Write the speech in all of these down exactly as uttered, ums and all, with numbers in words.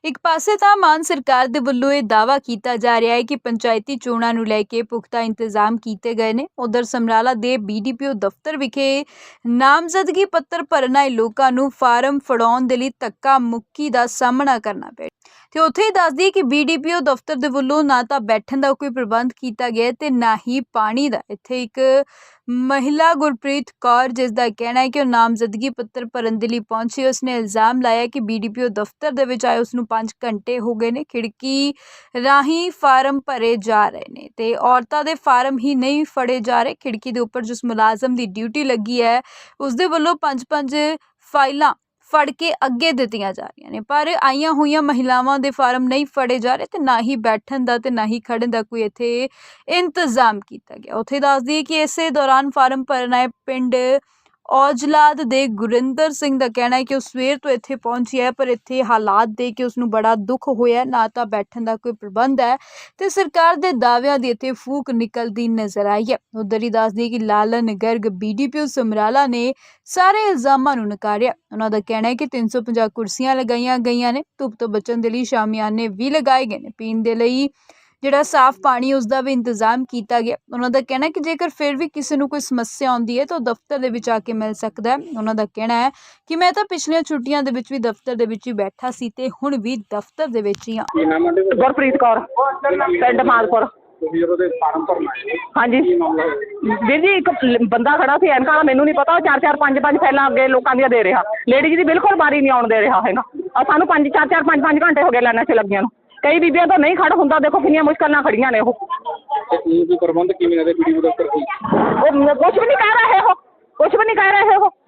ਇੱਕ ਪਾਸੇ ਤਾਂ ਮਾਨ ਸਰਕਾਰ ਦੇ ਵੱਲੋਂ ਇਹ ਦਾਅਵਾ ਕੀਤਾ ਜਾ ਰਿਹਾ ਹੈ ਕਿ ਪੰਚਾਇਤੀ ਚੋਣਾਂ ਨੂੰ ਲੈ ਕੇ ਪੁਖਤਾ ਇੰਤਜ਼ਾਮ ਕੀਤੇ ਗਏ ਨੇ। ਉਧਰ ਸਮਰਾਲਾ ਦੇ ਬੀਡੀਪੀਓ ਦਫ਼ਤਰ ਵਿਖੇ ਨਾਮਜ਼ਦਗੀ ਪੱਤਰ ਭਰਨ ਆਏ ਲੋਕਾਂ ਨੂੰ ਫਾਰਮ ਫੜਾਉਣ ਦੇ ਲਈ ਧੱਕਾ ਮੁੱਕੀ ਦਾ ਸਾਹਮਣਾ ਕਰਨਾ ਪਿਆ। ਤੇ ਉੱਥੇ ਹੀ ਦੱਸ ਦਈਏ ਕਿ ਬੀਡੀਪੀਓ ਦਫ਼ਤਰ ਦੇ ਵੱਲੋਂ ਨਾ ਤਾਂ ਬੈਠਣ ਦਾ ਕੋਈ ਪ੍ਰਬੰਧ ਕੀਤਾ ਗਿਆ ਤੇ ਨਾ ਹੀ ਪਾਣੀ ਦਾ। ਇੱਥੇ ਇੱਕ ਮਹਿਲਾ ਗੁਰਪ੍ਰੀਤ ਕੌਰ, ਜਿਸ ਦਾ ਕਹਿਣਾ ਹੈ ਕਿ ਉਹ ਨਾਮਜ਼ਦਗੀ ਪੱਤਰ ਭਰਨ ਦੇ ਲਈ ਪਹੁੰਚੀ, ਉਸਨੇ ਇਲਜ਼ਾਮ ਲਾਇਆ ਕਿ ਬੀਡੀਪੀਓ ਦਫ਼ਤਰ ਦੇ ਵਿੱਚ ਆਏ ਉਸਨੂੰ ਪੰਜ ਘੰਟੇ ਹੋ ਗਏ ਨੇ, ਖਿੜਕੀ ਰਾਹੀਂ ਫਾਰਮ ਭਰੇ ਜਾ ਰਹੇ ਨੇ ਤੇ ਔਰਤਾਂ ਦੇ ਫਾਰਮ ਹੀ ਨਹੀਂ ਫੜੇ ਜਾ ਰਹੇ। ਖਿੜਕੀ ਦੇ ਉੱਪਰ ਜਿਸ ਮੁਲਾਜ਼ਮ ਦੀ ਡਿਊਟੀ ਲੱਗੀ ਹੈ ਉਸਦੇ ਵੱਲੋਂ ਪੰਜ ਪੰਜ ਫਾਈਲਾਂ ਫੜ ਕੇ ਅੱਗੇ ਦਿੱਤੀਆਂ ਜਾ ਰਹੀਆਂ ਨੇ, ਪਰ ਆਈਆਂ ਹੋਈਆਂ ਮਹਿਲਾਵਾਂ ਦੇ ਫਾਰਮ ਨਹੀਂ ਫੜੇ ਜਾ ਰਹੇ ਤੇ ਨਾ ਹੀ ਬੈਠਣ ਦਾ ਤੇ ਨਾ ਹੀ ਖੜਨ ਦਾ ਕੋਈ ਇੱਥੇ ਇੰਤਜ਼ਾਮ ਕੀਤਾ ਗਿਆ। ਉੱਥੇ ਦੱਸ ਦਈਏ ਕਿ ਇਸੇ ਦੌਰਾਨ ਫਾਰਮ ਭਰਨ ਆਏ ਪਿੰਡ ਔਜਲਾਦ ਦੇ ਗੁਰਿੰਦਰ ਸਿੰਘ ਦਾ ਕਹਿਣਾ ਹੈ ਕਿ ਉਹ ਸਵੇਰ ਤੋਂ ਇੱਥੇ ਪਹੁੰਚੀ ਹੈ, ਪਰ ਇੱਥੇ ਹਾਲਾਤ ਦੇਖ ਕੇ ਉਸਨੂੰ ਬੜਾ ਦੁੱਖ ਹੋਇਆ। ਨਾ ਤਾਂ ਬੈਠਣ ਦਾ ਕੋਈ ਪ੍ਰਬੰਧ ਹੈ ਤੇ ਸਰਕਾਰ ਦੇ ਦਾਅਵਿਆਂ ਦੀ ਇੱਥੇ ਫੂਕ ਨਿਕਲਦੀ ਨਜ਼ਰ ਆਈ ਹੈ। ਉੱਧਰ ਹੀ ਦੱਸ ਦਈਏ ਕਿ ਲਾਲਨ ਗਰਗ ਬੀਡੀਪੀਓ ਸਮਰਾਲਾ ਨੇ ਸਾਰੇ ਇਲਜ਼ਾਮਾਂ ਨੂੰ ਨਕਾਰਿਆ। ਉਹਨਾਂ ਦਾ ਕਹਿਣਾ ਹੈ ਕਿ ਤਿੰਨ ਸੌ ਪੰਜਾਹ ਕੁਰਸੀਆਂ ਲਗਾਈਆਂ ਗਈਆਂ ਨੇ, ਧੁੱਪ ਤੋਂ ਬਚਣ ਦੇ ਲਈ ਸ਼ਾਮਿਆਨੇ ਵੀ ਲਗਾਏ ਗਏ ਨੇ, ਪੀਣ ਦੇ ਲਈ ਜਿਹੜਾ ਸਾਫ਼ ਪਾਣੀ ਉਸਦਾ ਵੀ ਇੰਤਜ਼ਾਮ ਕੀਤਾ ਗਿਆ। ਉਹਨਾਂ ਦਾ ਕਹਿਣਾ ਹੈ ਕਿ ਜੇਕਰ ਫਿਰ ਵੀ ਕਿਸੇ ਨੂੰ ਕੋਈ ਸਮੱਸਿਆ ਆਉਂਦੀ ਹੈ ਤਾਂ ਉਹ ਦਫ਼ਤਰ ਦੇ ਵਿੱਚ ਆ ਕੇ ਮਿਲ ਸਕਦਾ ਹੈ। ਉਹਨਾਂ ਦਾ ਕਹਿਣਾ ਹੈ ਕਿ ਮੈਂ ਤਾਂ ਪਿਛਲੀਆਂ ਛੁੱਟੀਆਂ ਦੇ ਵਿੱਚ ਵੀ ਦਫ਼ਤਰ ਦੇ ਵਿੱਚ ਹੀ ਬੈਠਾ ਸੀ ਤੇ ਹੁਣ ਵੀ ਦਫ਼ਤਰ ਦੇ ਵਿੱਚ ਹੀ ਹਾਂ। ਗੁਰਪ੍ਰੀਤ ਕੌਰ, ਪਿੰਡ ਮਾਲਪੁਰ। ਹਾਂਜੀ ਵੀਰ ਜੀ, ਇੱਕ ਬੰਦਾ ਖੜਾ ਸੀ ਐਨਕਾਂ ਵਾਲਾ, ਮੈਨੂੰ ਨਹੀਂ ਪਤਾ, ਉਹ ਚਾਰ ਚਾਰ ਪੰਜ ਪੰਜ ਫਾਈਲਾਂ ਅੱਗੇ ਲੋਕਾਂ ਦੀਆਂ ਦੇ ਰਿਹਾ। ਲੇਡੀਜ਼ ਦੀ ਬਿਲਕੁਲ ਬਾਰੀ ਨਹੀਂ ਆਉਣ ਦੇ ਰਿਹਾ ਹੈਗਾ। ਸਾਨੂੰ ਪੰਜ ਚਾਰ ਚਾਰ ਪੰਜ ਪੰਜ ਘੰਟੇ ਹੋ ਗਏ ਲਾਈਨਾਂ 'ਚ ਲੱਗੀਆਂ ਨੂੰ। ਕਈ ਬੀਬੀਆਂ ਤੋਂ ਨਹੀਂ ਖੜ ਹੁੰਦਾ, ਦੇਖੋ ਕਿੰਨੀਆਂ ਮੁਸ਼ਕਲ ਨਾਲ ਖੜੀਆਂ ਨੇ। ਉਹ ਪ੍ਰਬੰਧ ਕਿਵੇਂ ਨੇ ਵੀਡੀਓ ਦਫ਼ਤਰ ਕੋਈ? ਉਹ ਕੁਛ ਵੀ ਨਹੀਂ ਕਹਿ ਰਹੇ, ਉਹ ਕੁਛ ਵੀ ਨਹੀਂ ਕਹਿ ਰਹੇ, ਉਹ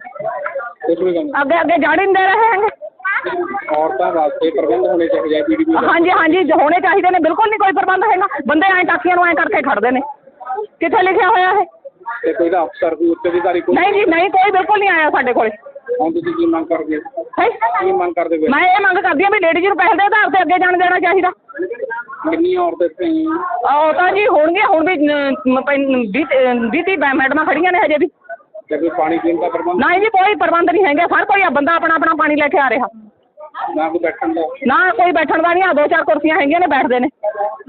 ਅੱਗੇ ਅੱਗੇ ਜਾੜ ਨਹੀਂ ਦੇ ਰਹੇ ਹੈਗੇ। ਔਰਤਾਂ ਵਾਸਤੇ ਪ੍ਰਬੰਧ ਹੋਣੇ ਚਾਹੀਦੇ ਵੀਡੀਓ? ਹਾਂਜੀ ਹਾਂਜੀ ਹੋਣੇ ਚਾਹੀਦੇ ਨੇ, ਬਿਲਕੁਲ ਨਹੀਂ ਕੋਈ ਪ੍ਰਬੰਧ ਹੈਗਾ। ਬੰਦੇ ਐਂ ਟਾਕੀਆਂ ਨੂੰ ਐਂ ਕਰਕੇ ਖੜਦੇ ਨੇ। ਕਿੱਥੇ ਲਿਖਿਆ ਹੋਇਆ ਹੈ? ਤੇ ਕੋਈ ਦਾ ਅਫਸਰ ਕੋਈ ਉੱਚ ਅਧਿਕਾਰੀ ਕੋਈ? ਨਹੀਂ ਜੀ ਨਹੀਂ, ਕੋਈ ਬਿਲਕੁਲ ਨਹੀਂ ਆਇਆ ਸਾਡੇ ਕੋਲ। ਹੁਣ ਤੁਸੀਂ ਕੀ ਮੰਗ ਕਰਦੇ ਹੋ? ਕੀ ਮੰਗ ਕਰਦੇ ਹੋ? ਮੈਂ ਇਹ ਮੰਗ ਕਰਦੀ ਹਾਂ ਵੀ ਲੇਡੀਜ਼ ਨੂੰ ਪਹਿਲ ਦੇ ਆਧਾਰ ਤੇ ਅੱਗੇ ਜਾਣ ਦੇਣਾ ਚਾਹੀਦਾ। ਕਿੰਨੀਆਂ ਔਰਤਾਂ ਇੱਥੇ? ਉਹ ਤਾਂ ਜੀ ਹੋਣਗੀਆਂ, ਹੁਣ ਵੀ ਵੀਹ ਤੀਹ ਮੈਡਮਾਂ ਖੜੀਆਂ ਨੇ ਹਜੇ ਵੀ। ਤੇ ਕੋਈ ਪਾਣੀ ਪੀਣ ਦਾ ਪ੍ਰਬੰਧ? ਨਹੀਂ ਜੀ ਕੋਈ ਪ੍ਰਬੰਧ ਨਹੀਂ ਹੈਗਾ। ਹਰ ਕੋਈ ਬੰਦਾ ਆਪਣਾ ਆਪਣਾ ਪਾਣੀ ਲੈ ਕੇ ਆ ਰਿਹਾ। ਨਾ ਕੋਈ ਬੈਠਣ ਦਾ? ਨਾ ਕੋਈ ਬੈਠਣ ਦਾ ਨਹੀਂ। ਆ ਦੋ ਚਾਰ ਕੁਰਸੀਆਂ ਹੈਗੀਆਂ ਨੇ, ਬੈਠਦੇ ਨੇ।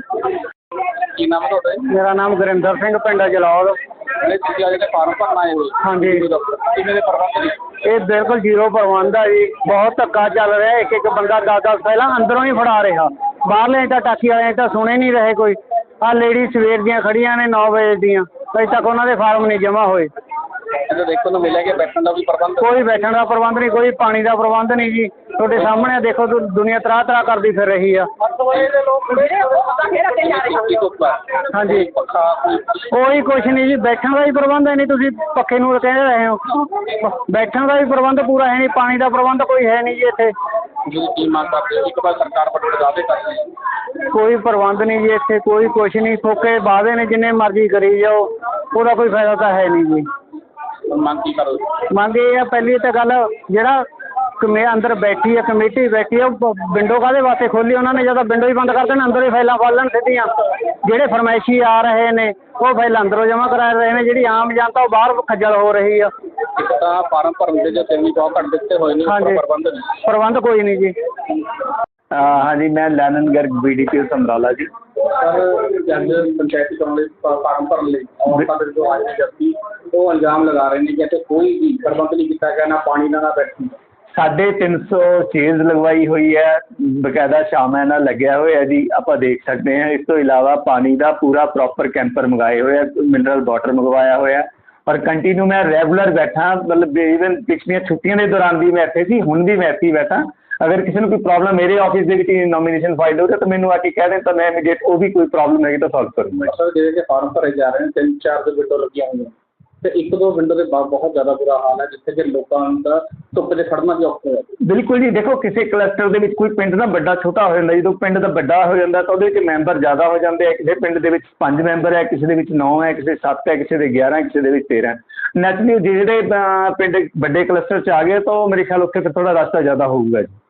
ਕੀ ਨਾਮ ਹੈ ਤੁਹਾਡਾ? ਮੇਰਾ ਨਾਮ ਗੁਰਿੰਦਰ ਸਿੰਘ, ਪਿੰਡ ਜਲੌਰ। ਤੁਸੀਂ ਅੱਜ ਦੇ ਫਾਰਮ ਭਰਨ ਆਏ ਹੋ? ਹਾਂਜੀ। ਕਿਵੇਂ ਦੇ ਪ੍ਰਬੰਧ ਨੇ? ਇਹ ਬਿਲਕੁਲ ਜ਼ੀਰੋ ਪ੍ਰਬੰਧ ਆ ਜੀ। ਬਹੁਤ ਧੱਕਾ ਚੱਲ ਰਿਹਾ। ਇੱਕ ਇੱਕ ਬੰਦਾ ਦਸ ਦਸ ਪਹਿਲਾਂ ਅੰਦਰੋਂ ਹੀ ਫੜਾ ਰਿਹਾ। ਬਾਹਰਲੇ ਤਾਂ ਟਾਕੀ ਵਾਲੇ ਤਾਂ ਸੁਣੇ ਨਹੀਂ ਰਹੇ ਕੋਈ। ਆਹ ਲੇਡੀ ਸਵੇਰ ਦੀਆਂ ਖੜੀਆਂ ਨੇ ਨੌ ਵਜੇ ਦੀਆਂ, ਅਜੇ ਤੱਕ ਉਹਨਾਂ ਦੇ ਫਾਰਮ ਨਹੀਂ ਜਮ੍ਹਾਂ ਹੋਏ। ਇਹਦਾ ਦੇਖਣ ਨੂੰ ਮਿਲਿਆ ਕਿ ਬੈਠਣ ਦਾ ਵੀ ਪ੍ਰਬੰਧ? ਕੋਈ ਬੈਠਣ ਦਾ ਪ੍ਰਬੰਧ ਨਹੀਂ, ਕੋਈ ਪਾਣੀ ਦਾ ਪ੍ਰਬੰਧ ਨਹੀਂ ਜੀ। ਤੁਹਾਡੇ ਸਾਹਮਣੇ ਦੇਖੋ, ਦੁਨੀਆ ਤਰਾਹ ਤਰਾਹ ਕਰਦੀ ਫਿਰ ਰਹੀ ਆ। ਹਾਂਜੀ, ਕੋਈ ਕੁਛ ਨਹੀਂ ਜੀ। ਬੈਠਣ ਦਾ ਵੀ ਪ੍ਰਬੰਧ ਹੈ ਨਹੀਂ, ਤੁਸੀਂ ਪੱਖੇ ਨੂੰ ਕਹਿ ਰਹੇ ਹੋ। ਬੈਠਣ ਦਾ ਵੀ ਪ੍ਰਬੰਧ ਪੂਰਾ ਹੈ ਨਹੀਂ, ਪਾਣੀ ਦਾ ਪ੍ਰਬੰਧ ਕੋਈ ਹੈ ਨਹੀਂ ਜੀ ਇੱਥੇ। ਕੀ ਮੰਗ ਕਰਦੇ ਹੋ? ਇੱਕ ਵਾਰ ਸਰਕਾਰ ਵੱਲੋਂ ਦਾਅਵੇ ਕਰਦੇ, ਕੋਈ ਪ੍ਰਬੰਧ ਨਹੀਂ ਜੀ ਇੱਥੇ, ਕੋਈ ਕੁਛ ਨਹੀਂ। ਫੋਕੇ ਵਾਅਦੇ ਨੇ, ਜਿੰਨੇ ਮਰਜ਼ੀ ਕਰੀ ਜਾਓ, ਉਹਦਾ ਕੋਈ ਫਾਇਦਾ ਤਾਂ ਹੈ ਨਹੀਂ ਜੀ। ਮੰਗ ਕੀ ਕਰੋ? ਮੰਗ ਇਹ ਆ, ਪਹਿਲੀ ਤਾਂ ਗੱਲ ਜਿਹੜਾ ਕਮੇ ਅੰਦਰ ਬੈਠੀ ਹੈ, ਕਮੇਟੀ ਬੈਠੀ ਹੈ, ਉਹ ਵਿੰਡੋ ਕਾਹਦੇ ਵਾਸਤੇ ਖੋਲ੍ਹੀ ਉਹਨਾਂ ਨੇ? ਜਦੋਂ ਵਿੰਡੋ ਹੀ ਬੰਦ ਕਰ ਦੇਣ, ਅੰਦਰ ਹੀ ਫਾਈਲਾਂ ਫੜ ਲੈਣ ਸਿੱਧੀਆਂ। ਜਿਹੜੇ ਫਰਮਾਇਸ਼ੀ ਆ ਰਹੇ ਨੇ ਉਹ ਫਾਈਲਾਂ ਅੰਦਰੋਂ ਜਮ੍ਹਾਂ ਕਰਾ ਰਹੇ ਨੇ, ਜਿਹੜੀ ਆਮ ਜਨਤਾ ਉਹ ਬਾਹਰ ਖੱਜਲ ਹੋ ਰਹੀ ਆ। ਇੱਕ ਤਾਂ ਫਾਰਮ ਭਰਨ ਦੇ ਜੋ ਤਿੰਨ ਬਹੁਤ ਘੱਟ ਦਿੱਤੇ ਹੋਏ ਨੇ, ਹਾਂਜੀ, ਪ੍ਰਬੰਧ ਪ੍ਰਬੰਧ ਕੋਈ ਨਹੀਂ ਜੀ। ਹਾਂਜੀ, ਮੈਂ ਲਾਲਨ ਗਰਗ ਬੀਡੀਪੀਓ ਸਮਰਾਲਾ ਜੀ। ਸਰ, ਅੱਜ ਪੰਚਾਇਤੀ ਚੋਣ ਲਈ ਫਾਰਮ ਭਰਨ ਲਈ ਔਰਤਾਂ ਦੇ ਜੋ ਆਏ ਨੇ ਵਿਅਕਤੀ, ਉਹ ਇਲਜ਼ਾਮ ਲਗਾ ਰਹੇ ਨੇ ਕਿ ਇੱਥੇ ਕੋਈ ਵੀ ਪ੍ਰਬੰਧ ਨਹੀਂ ਕੀਤਾ ਗਿਆ, ਨਾ ਪਾਣੀ ਦਾ ਨਾ ਬੈਠਣ ਦਾ। ਸਾਢੇ ਤਿੰਨ ਸੌ ਚੇਅਰਸ ਲਗਵਾਈ ਹੋਈ ਹੈ, ਬਕਾਇਦਾ ਸ਼ਾਮਾਂ ਨਾਲ ਲੱਗਿਆ ਹੋਇਆ ਜੀ, ਆਪਾਂ ਦੇਖ ਸਕਦੇ ਹਾਂ। ਇਸ ਤੋਂ ਇਲਾਵਾ ਪਾਣੀ ਦਾ ਪੂਰਾ ਪ੍ਰੋਪਰ ਕੈਂਪਰ ਮੰਗਾਏ ਹੋਏ ਆ, ਮਿਨਰਲ ਵਾਟਰ ਮੰਗਵਾਇਆ ਹੋਇਆ, ਔਰ ਕੰਟੀਨਿਊ ਮੈਂ ਰੈਗੂਲਰ ਬੈਠਾ। ਮਤਲਬ ਈਵਨ ਪਿਛਲੀਆਂ ਛੁੱਟੀਆਂ ਦੇ ਦੌਰਾਨ ਵੀ ਮੈਂ ਇੱਥੇ ਸੀ, ਹੁਣ ਵੀ ਮੈਂ ਇੱਥੇ ਹੀ ਬੈਠਾ। ਅਗਰ ਕਿਸੇ ਨੂੰ ਕੋਈ ਪ੍ਰੋਬਲਮ ਮੇਰੇ ਆਫਿਸ ਦੇ ਵਿੱਚ ਨੋਮੀਨੇਸ਼ਨ ਫਾਈਲ ਹੋ ਰਿਹਾ ਤਾਂ ਮੈਨੂੰ ਆ ਕੇ ਕਹਿ ਦੇਣ, ਤਾਂ ਮੈਂ ਇਮੀਡੀਏਟ ਉਹ ਵੀ ਕੋਈ ਪ੍ਰੋਬਲਮ ਹੈਗੀ ਤਾਂ ਸੋਲਵ ਕਰੂੰਗਾ। ਸਰ, ਜਿਹੜੇ ਕਿ ਫਾਰਮ ਭਰੇ ਜਾ ਰਹੇ ਨੇ, ਤਿੰਨ ਚਾਰ ਦੇ ਵਿੰਡੋ ਲੱਗੀਆਂ ਹੋਈਆਂ ਤੇ ਇੱਕ ਦੋ ਵਿੰਡੋ ਦੇ ਬਾਅਦ ਬਹੁਤ ਜ਼ਿਆਦਾ ਬੁਰਾ ਹਾਲ ਹੈ, ਜਿੱਥੇ ਕਿ ਲੋਕਾਂ ਦਾ ਧੁੱਪ 'ਚ ਖੜਨਾ ਵੀ ਔਖਾ ਹੈ। ਬਿਲਕੁਲ ਜੀ, ਦੇਖੋ ਕਿਸੇ ਕਲਸਟਰ ਦੇ ਵਿੱਚ ਕੋਈ ਪਿੰਡ ਦਾ ਵੱਡਾ ਛੋਟਾ ਹੋ ਜਾਂਦਾ। ਜਦੋਂ ਪਿੰਡ ਦਾ ਵੱਡਾ ਹੋ ਜਾਂਦਾ ਤਾਂ ਉਹਦੇ ਵਿੱਚ ਮੈਂਬਰ ਜ਼ਿਆਦਾ ਹੋ ਜਾਂਦੇ ਆ। ਕਿਸੇ ਪਿੰਡ ਦੇ ਵਿੱਚ ਪੰਜ ਮੈਂਬਰ ਹੈ, ਕਿਸੇ ਦੇ ਵਿੱਚ ਨੌ ਹੈ, ਕਿਸੇ ਸੱਤ ਹੈ, ਕਿਸੇ ਦੇ ਗਿਆਰਾਂ, ਕਿਸੇ ਦੇ ਵਿੱਚ ਤੇਰਾਂ। ਨੈਚੁਰਲੀ ਜਿਹੜੇ ਪਿੰਡ ਵੱਡੇ ਕਲਸਟਰ 'ਚ ਆ ਗਏ ਤਾਂ ਉਹ ਮੇਰੇ ਖਿਆਲ ਉੱਥੇ ਫਿਰ ਥੋੜ੍ਹਾ ਰਸਤਾ ਜ਼ਿਆਦਾ ਹੋਊਗਾ ਜੀ।